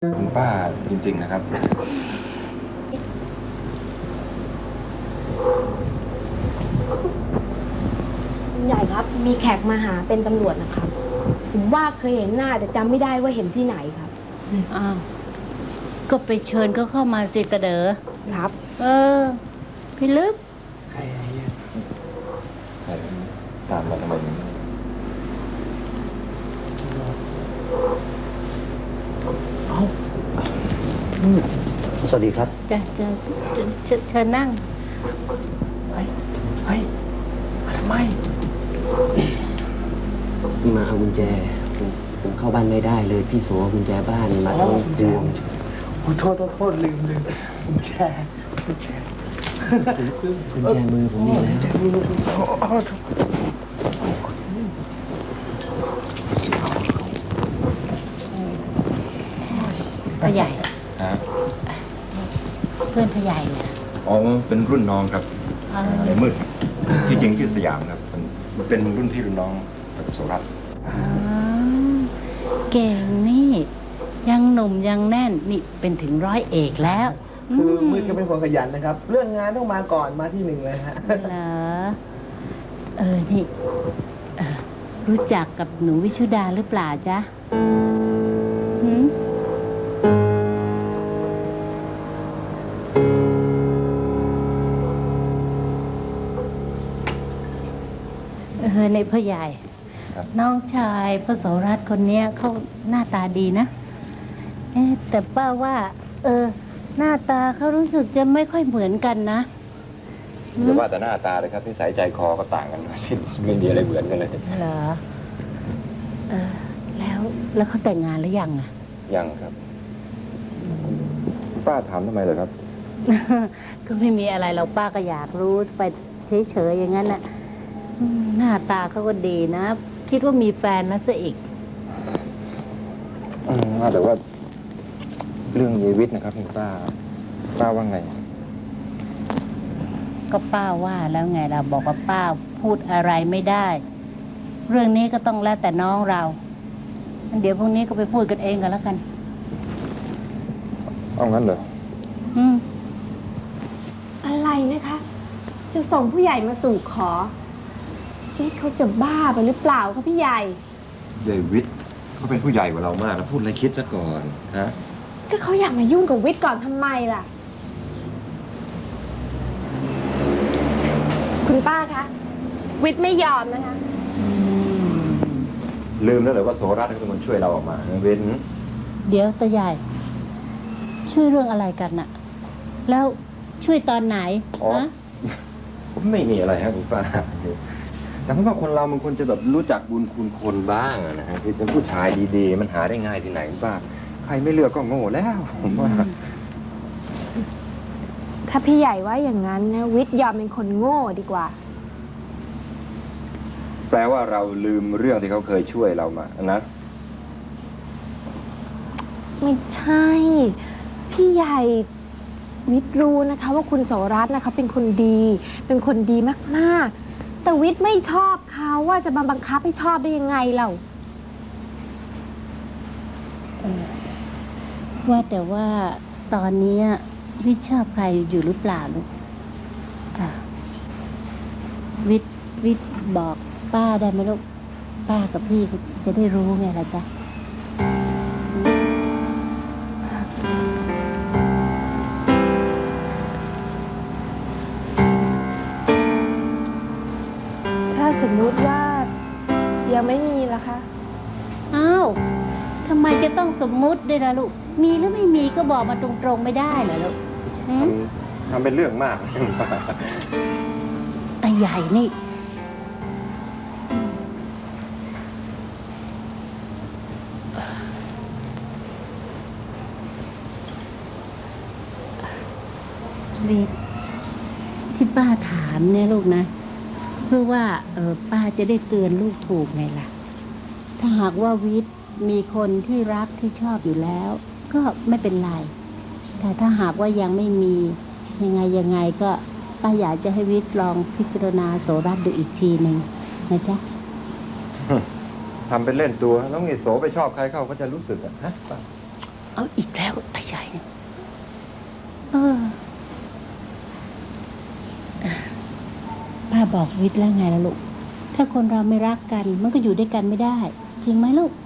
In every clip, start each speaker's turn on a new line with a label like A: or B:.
A: คุณป้าจริงๆนะครับ
B: คุณใหญ่ครับมีแขกมาหาเป็นตำรวจนะครับผมว่าเคยเห็นหน้าแต่จำไม่ได้ว่าเห็นที่ไหนครับ
C: อ้าวก็ไปเชิญเขาเข้ามาสิตะเด๋อ
B: ครับ
C: เออพี่ลึก
A: ใครตามมาทำไม
D: สวัสดีครับ
C: จะเชิญนั่ง
D: เฮ้ยทำไมนี่มาเอากุญแจผมเข้าบ้านไม่ได้เลยพี่โสกุญแจบ้านมาต้องพวง
E: โทษลืมกุญแจ
D: กุญแจมือผมนี่แล้ว
C: พ่อใหญ่
A: ฮะ
C: เพื่อนพ่อใหญ่เนี่ย
A: อ๋อเป็นรุ่นน้องครับ
C: เออ
A: ในมืดที่จริงชื่อสยามครับมันเป็นรุ่นพี่รุ่นน้องกับโสรัตน์
C: อ๋อเก่งนี่ ยังหนุ่มยังแน่นนี่เป็นถึงร้อยเอกแล้ว
E: คือมืดก็เป็นคนขยันนะครับ เรื่องงานต้องมาก่อนมาที่หนึ่งเลยฮะ
C: เหรอนี่รู้จักกับหนูวิชุดาหรือเปล่าจ๊ะหืมในพ่อใหญ่ น้องชายพระโสรัตน์คนเนี้ยเขาหน้าตาดีนะแต่ป้าว่า หน้าตาเขารู้สึกจะไม่ค่อยเหมือนกันนะ
A: อย่าว่าแต่หน้าตาเลยครับนิสัยใจคอก็ต่างกันสิ้นไม่มีอะไรเหมือนกันเลย
C: เหรอแล้วเขาแต่งงานหรือยังอะ
A: ยังครับป้าถามทำไมเหรอครับ
C: ก็ไม่มีอะไรเราป้าก็อยากรู้ไปเฉยๆอย่างนั้นน่ะหน้าตาเขาก็ดีนะ คิดว่ามีแฟนแล้วซะอีก
A: ว่าแต่ว่าเรื่องยีวิทย์นะครับคุณป้าว่าไง
C: ก็ป้าว่าแล้วไงเราบอกว่าป้าพูดอะไรไม่ได้ เรื่องนี้ก็ต้องแล้วแต่น้องเราเดี๋ยวพรุ่งนี้ก็ไปพูดกันเองกันแล้วกัน
A: เอางั้นเหรอ
B: อะไรนะคะ จะส่งผู้ใหญ่มาสู่ขอเขาจะบ้าไปหรือเปล่าคะพี่ใหญ่
A: เดวิดเขาเป็นผู้ใหญ่กว่าเรามากแล้วพูดอะไรคิดซะก่อนฮะ
B: ก็เขาอยากมายุ่งกับวิทย์ก่อนทำไมล่ะ คุณป้าคะวิทย์ไม่ยอมนะคะ
A: ลืมแล้วเหรอว่าโสรัตน์เป็นคนช่วยเราออกมาเว้น
C: เดี๋ยวตาใหญ่ ช่วยเรื่องอะไรกันน่ะ แล้วช่วยตอนไหนฮะ
A: ผมไม่มีอะไรฮะคุณป้าแต่ผมว่าคนเรามันควรจะแบบรู้จักบุญคุณคนบ้างนะฮะคือเป็นผู้ชายดีๆมันหาได้ง่ายที่ไหนคุณป้าใครไม่เลือกก็โง่แล้วผมว่า
B: ถ้าพี่ใหญ่ว่าอย่างนั้นนะวิทย์ยอมเป็นคนโง่ดีกว่า
A: แปลว่าเราลืมเรื่องที่เขาเคยช่วยเรามานะ
B: ไม่ใช่ พี่ใหญ่วิทย์รู้นะคะว่าคุณโสรัตน์นะคะเป็นคนดี เป็นคนดีมากๆ แต่วิทย์ไม่ชอบเขาว่าจะมาบังคับให้ชอบได้ยังไงเรา
C: ว่าแต่ว่าตอนนี้วิทย์ชอบใครอยู่หรือเปล่าลูกวิทย์บอกป้าได้ไหมลูกป้ากับพี่จะได้รู้ไงล่ะจ๊ะ
B: ถ้าสมมุติว่ายังไม่มีล่ะคะ
C: อ้าวทำไมจะต้องสมมุติด้วยล่ะลูกมีหรือไม่มีก็บอกมาตรงๆไม่ได้เหรอลูก
A: ทำเป็นเรื่องมาก
C: ตาใหญ่นี่วิทย์ที่ป้าถามเนี่ยลูกนะเพื่อว่าป้าจะได้เตือนลูกถูกไงล่ะถ้าหากว่าวิทย์มีคนที่รักที่ชอบอยู่แล้ว ก็ไม่เป็นไรแต่ถ้าหากว่ายังไม่มียังไงก็ป้าอยากจะให้วิทย์ลองพิจารณาโสรัตน์ดูอีกทีหนึ่งนะจ๊ะ
A: ทำเป็นเล่นตัวแล้วไงโสไปชอบใครเข้าก็จะรู้สึกอะฮะ
C: เอาอีกแล้วตาใหญ่เนี่ยป้าบอกวิทย์แล้วไงล่ะลูก ถ้าคนเราไม่รักกันมันก็อยู่ด้วยกันไม่ได้ จริงไหมลูก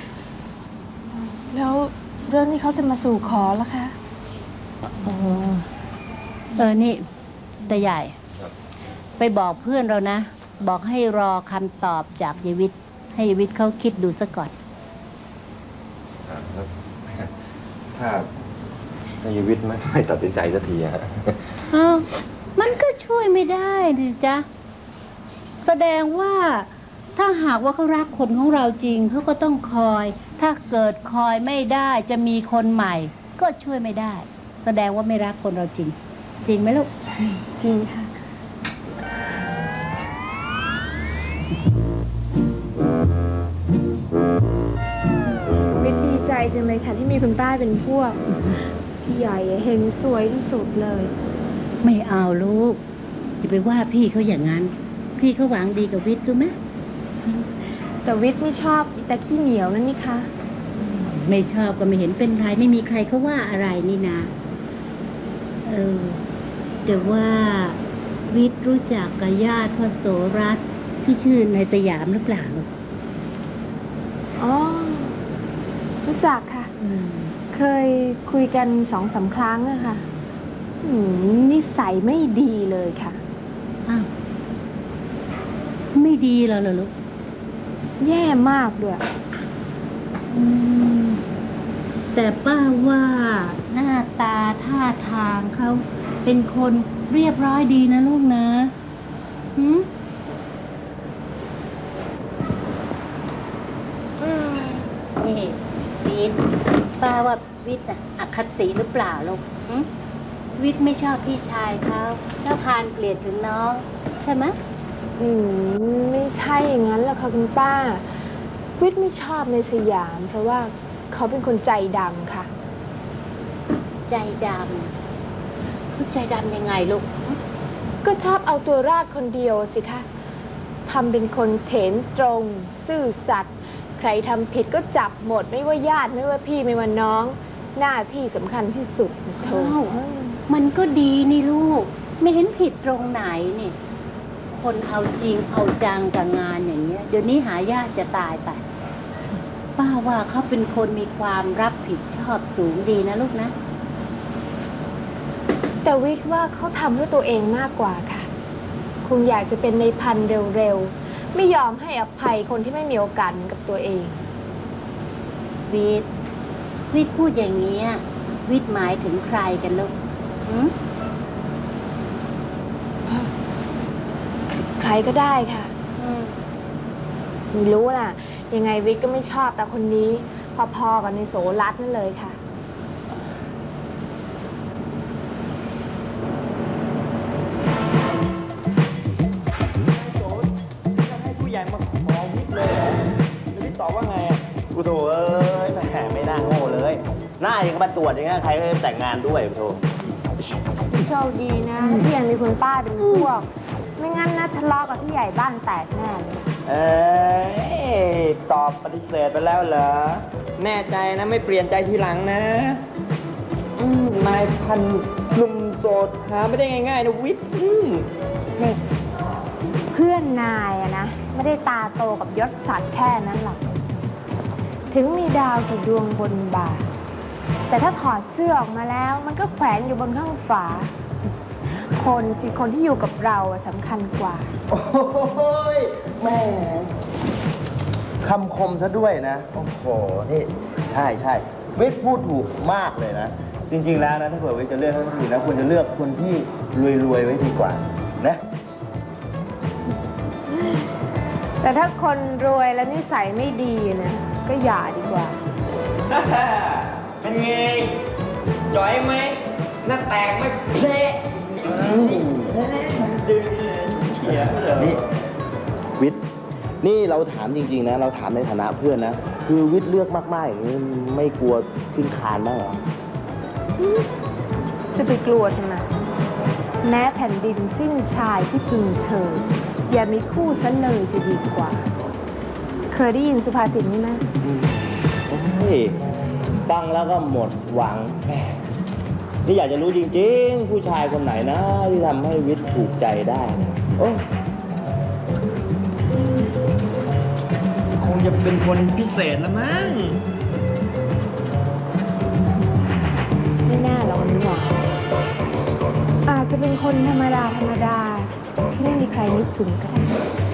B: แล้วเรื่องนี้เขาจะมาสู่ขอแล้วคะ
C: นี่ตาใหญ่ ไปบอกเพื่อนเรานะ บอกให้รอคำตอบจากยายวิทย์ให้ยายวิทย์เขาคิดดูซะก่อน
A: ถ้ายวิทย์ไม่ตัดสินใจสักทีฮะ
C: อ้าวมันก็ช่วยไม่ได้ดิจ๊ะ แสดงว่าถ้าหากว่าเขารักคนของเราจริงเขาก็ต้องคอย ถ้าเกิดคอยไม่ได้จะมีคนใหม่ ก็ช่วยไม่ได้ แสดงว่าไม่รักคนเราจริง จริงไหมลูก
B: จริงค่ะ วิทย์ดีใจจังเลยค่ะที่มีคุณป้าเป็นพวก พี่ใหญ่เฮงสวยที่สุดเลย
C: ไม่เอาลูกอย่าไปว่าพี่เขาอย่างนั้น พี่เขาหวังดีกับวิทย์รู้ไหม
B: แต่วิทย์ไม่ชอบอีตาขี้เหนียวนั่นนี่คะ
C: ไม่ชอบก็ไม่เห็นเป็นไรไม่มีใครเขาว่าอะไรนี่นะแต่ว่าวิทย์รู้จักกับญาติพ่อโสรัตน์ที่ชื่อนายสยามหรือเปล่า
B: อ๋อ รู้จักค่ะ เคยคุยกัน2-3 ครั้งอะค่ะนิสัยไม่ดีเลยค่ะ
C: อ้าวไม่ดีแล้วเหรอลูก
B: แย่มากด้วย
C: แต่ป้าว่าหน้าตาท่าทางเขาเป็นคนเรียบร้อยดีนะลูกนะหืมนี่วิทย์ป้าว่าวิทย์อะอคติหรือเปล่าลูกวิทย์ไม่ชอบพี่ชายเขาแล้วพานเกลียดถึงน้องใช่ไหม
B: ไม่ใช่อย่างนั้นหรอกค่ะคุณป้า วิทย์ไม่ชอบในสยาม เพราะว่าเขาเป็นคนใจดำค่ะ
C: ใจดำผู้ใจดำยังไงลูก
B: ก็ชอบเอาตัวรอดคนเดียวสิคะทำเป็นคนเถนตรง ซื่อสัตย์ใครทำผิดก็จับหมด ไม่ว่าญาติไม่ว่าพี่ไม่ว่าน้อง หน้าที่สำคัญที่สุดโธ่
C: มันก็ดีนี่ลูก ไม่เห็นผิดตรงไหนนี่ คนเอาจริงเอาจังกับงานอย่างเงี้ย เดี๋ยวนี้หายากจะตายไป ป้าว่าเขาเป็นคนมีความรับผิดชอบสูงดีนะลูกนะ
B: แต่วิทย์ว่าเขาทำเพื่อตัวเองมากกว่าค่ะ คงอยากจะเป็นในพันเร็วๆ ไม่ยอมให้อภัยคนที่ไม่มีโอกาสเหมือนกับตัวเอง
C: วิทย์พูดอย่างเงี้ยวิทย์หมายถึงใครกันลูก
B: ใครก็ได้ค่ะไม่รู้น่ะ ยังไงวิทย์ก็ไม่ชอบแต่คนนี้พอๆกับในโสรัตน์นั่นเลยค่ะ
E: ให้ผู้ใหญ่มาขอวิทย์เลยเหรอแล้ววิทย์ตอบว่าไงอ่ะ
D: กูโถเอ้ยแหมไม่น่าโง่เลย หน้ายังมาตรวจอย่างเงี้ยใครก็แต่งงานด้วยกูโถ
B: โชคดีนะที่ยังมีคุณป้าเป็นพวก ไม่งั้นนะทะเลาะกับพี่ใหญ่บ้านแตกแน่เลย
E: ตอบปฏิเสธไปแล้วเหรอ แน่ใจนะไม่เปลี่ยนใจทีหลังนะนายพันหนุ่มโสดหาไม่ได้ง่ายๆนะวิทย์
B: นี่เพื่อนนายอะนะ ไม่ได้ตาโตกับยศศักดิ์แค่นั้นหรอก ถึงมีดาวกี่ดวงบนบ่า แต่ถ้าถอดเสื้อออกมาแล้วมันก็แขวนอยู่บนข้างฝา คนที่อยู่กับเราอะสำคัญกว่า
D: โอ้ยแม่คำคมซะด้วยนะ โอ้โห นี่ ใช่วิทย์พูดถูกมากเลยนะ จริงๆแล้วนะ ถ้าเผื่อวิทย์จะเลือกให้คนอื่นนะควรจะเลือกคนที่รวยๆไว้ดีกว่า นะ
B: แต่ถ้าคนรวยแล้วนิสัยไม่ดีนะก็อย่าดีกว่า
E: เป็นไงจ่อยไหมหน้าแตกไหมเพลดึงเฉียบเลย
D: นี่วิทย์นี่เราถามจริงๆนะ เราถามในฐานะเพื่อนนะ คือวิทย์เลือกมากๆอย่างนี้ไม่กลัวขึ้นคานบ้างเหรอ
B: จะไปกลัวทำไมแม้แผ่นดินสิ้นชายที่พึงเธอ อย่ามีคู่ซะเลยจะดีกว่า เคยได้ยินสุภาษิตนี้ไหม
D: เฮ้ยฟังแล้วก็หมดหวังแหมนี่อยากจะรู้จริงๆ ผู้ชายคนไหนนะที่ทำให้วิทย์ถูกใจได้นะโอ้
E: คงจะเป็นคนพิเศษละมั้ง
B: ไม่น่าหรอกนี่หว่าอาจจะเป็นคนธรรมดาที่ไม่มีใครนึกถึงก็ได้